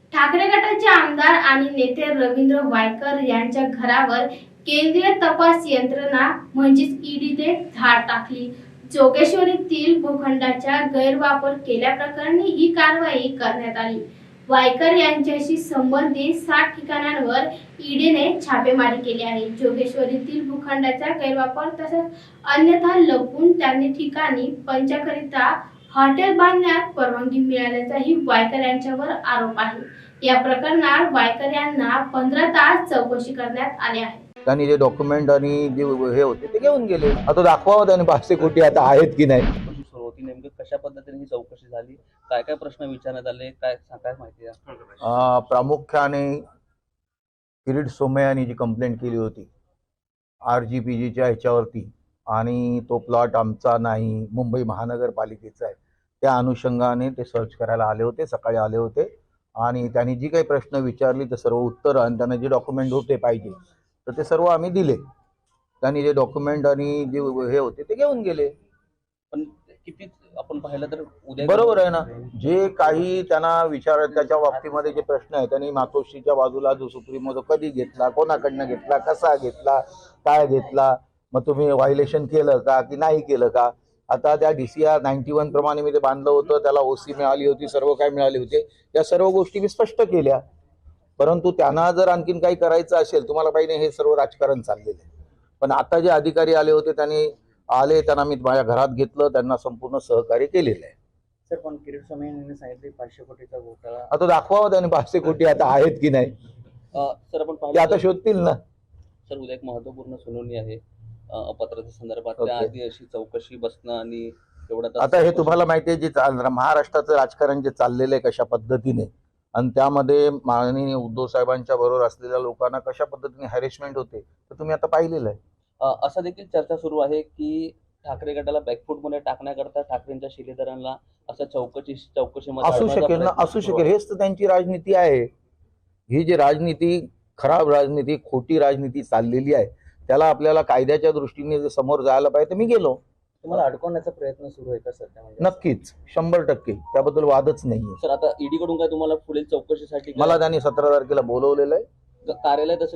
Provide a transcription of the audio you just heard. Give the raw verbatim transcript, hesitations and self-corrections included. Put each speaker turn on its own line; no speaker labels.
ठाकरे गटाचे आमदार आणि नेते रवींद्र वायकर यांच्या घरावर केंद्रीय तपास यंत्रणा म्हणजेच ईडीने धाड टाकली. जोगेश्वरीतील भूखंडाचा गैरवापर केल्याप्रकरणी ही कारवाई करण्यात आली. वायकर यांच्याशी संबंधित सात ठिकाणांवर ईडीने छापेमारी केली आहे. जोगेश्वरीतील भूखंडाचा गैरवापर तसंच अन्यथा लपवून त्यांनी ठिकाणी पंचाकरिता हॉटेल बांधण्यात परवानगी मिळाल्याचाही वायकर यांच्यावर आरोप आहे. या प्रकरणात वायकर यांना पंधरा तास चौकशी करण्यात आली आहे.
त्यांनी जे डॉक्युमेंट आणि जे हे होते ते घेऊन गेले. आता दाखवावं त्यांनी पाचशे कोटी आता आहेत की नाही.
सुरू होती नेमकं कशा पद्धतीने ही चौकशी झाली, काय काय प्रश्न विचारण्यात आले, काय काय माहिती आहे?
प्रामुख्याने किरीट सोमय्या यांनी जी कंप्लेंट केली होती आर जी पी जीच्या ह्याच्यावरती आणि तो प्लॉट आमचा नाही मुंबई महानगरपालिकेचा आहे, त्या अनुषंगाने ते सर्च करायला आले होते. सकाळी आले होते आणि त्यांनी जी काही प्रश्न विचारली ते सर्व उत्तर आणि त्यांना जे डॉक्युमेंट होते पाहिजे तर ते सर्व आम्ही दिले. त्यांनी जे डॉक्युमेंट आणि जे हे होते ते घेऊन गेले.
पण किती आपण पाहिलं तर उद्या
बरोबर आहे ना, जे काही त्यांना विचार त्याच्या बाबतीमध्ये जे प्रश्न आहे त्यांनी मातोश्रीच्या बाजूला जो सुप्रीमो जो कधी घेतला, कोणाकडनं घेतला, कसा घेतला, काय घेतला, मग तुम्ही व्हायलेशन केलं का की नाही केलं का. आता त्या D C R ninety one प्रमाणे मी ते बांधलं होतं, त्याला ओसी मिळाली होती, सर्व काय मिळाले होते, या सर्व गोष्टी मी स्पष्ट केल्या. परंतु त्यांना जर आणखीन काही करायचं असेल तुम्हाला पाहिजे हे सर्व राजकारण चाललेलं आहे. पण आता जे अधिकारी आले होते त्यांनी आले, त्यांना मी माझ्या घरात घेतलं, त्यांना संपूर्ण सहकार्य केलेलं आहे.
सर पण किरीट सोमय्या यांनी सांगितले पाचशे कोटीचा घोटाळा.
आता दाखवावं त्यांनी पाचशे कोटी आता आहेत की नाही.
सर आपण
ते
पाहिलं
आता शोधतील ना.
सर उद्या एक महत्वपूर्ण सुनावणी आहे अपत्राच्या संदर्भात.
Okay.
त्याआधी अशी चौकशी बसणं आणि एवढा
आता हे तुम्हाला माहिती आहे जे महाराष्ट्राचं राजकारण जे चाललेलं आहे कशा पद्धतीने आणि त्यामध्ये माननीय उद्धव साहेबांच्या बरोबर असलेल्या लोकांना कशा पद्धतीने हॅरेसमेंट होते तर तुम्ही आता पाहिलेलं आहे.
असं देखील चर्चा सुरू आहे की ठाकरे गटाला बॅकफूट मध्ये टाकण्याकरता ठाकरेंच्या शिलेदारांना असं चौकशी चौकशीमध्ये
असू शकेल ना, असू शकेल. हेच तर त्यांची राजनीती आहे. ही जी राजनीती खराब राजनीती खोटी राजनीती चाललेली आहे त्याला आपल्याला कायद्याच्या दृष्टीने जर समोर जायला पाहिजे तर मी गेलो.
तुम्हाला अडकवण्याचा प्रयत्न सुरू आहे का सध्या?
नक्कीच शंभर टक्के त्याबद्दल वादच नाहीये.
सर आता ईडी कडून काय तुम्हाला पुढील चौकशीसाठी
मला त्यांनी सतरा तारखेला बोलवलेलं आहे.
कार्यालय